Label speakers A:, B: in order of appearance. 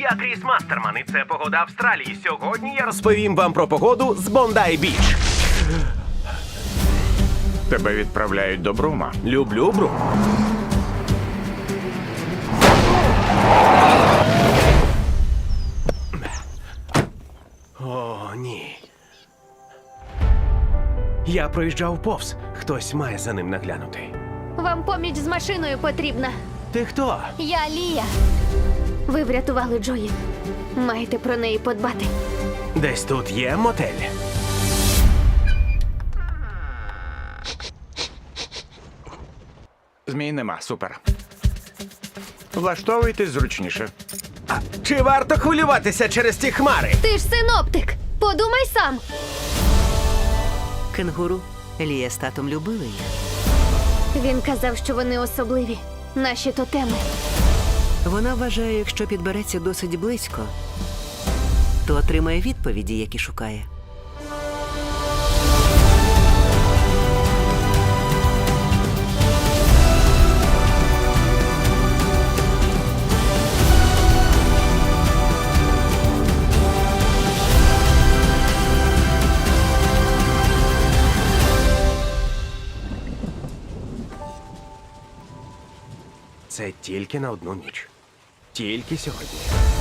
A: Я Кріс Мастерман, і це погода Австралії. Сьогодні я розповім вам про погоду з Бондай-Біч.
B: Тебе відправляють до Брума.
A: Люблю Брум. О, ні. Я проїжджав повз. Хтось має за ним наглянути.
C: Вам поміч з машиною потрібна.
A: Ти хто?
C: Я Лія. Ви врятували Джої. Маєте про неї подбати.
A: Десь тут є мотель.
B: Змій нема, супер. Влаштовуйтесь зручніше.
A: А чи варто хвилюватися через ті хмари?
C: Ти ж синоптик. Подумай сам.
D: Кенгуру. Лія з татом любили їх.
C: Він казав, що вони особливі. Наші тотеми.
D: Вона вважає, якщо підбереться досить близько, то отримає відповіді, які шукає.
A: Це тільки на одну ніч. Тільки сьогодні.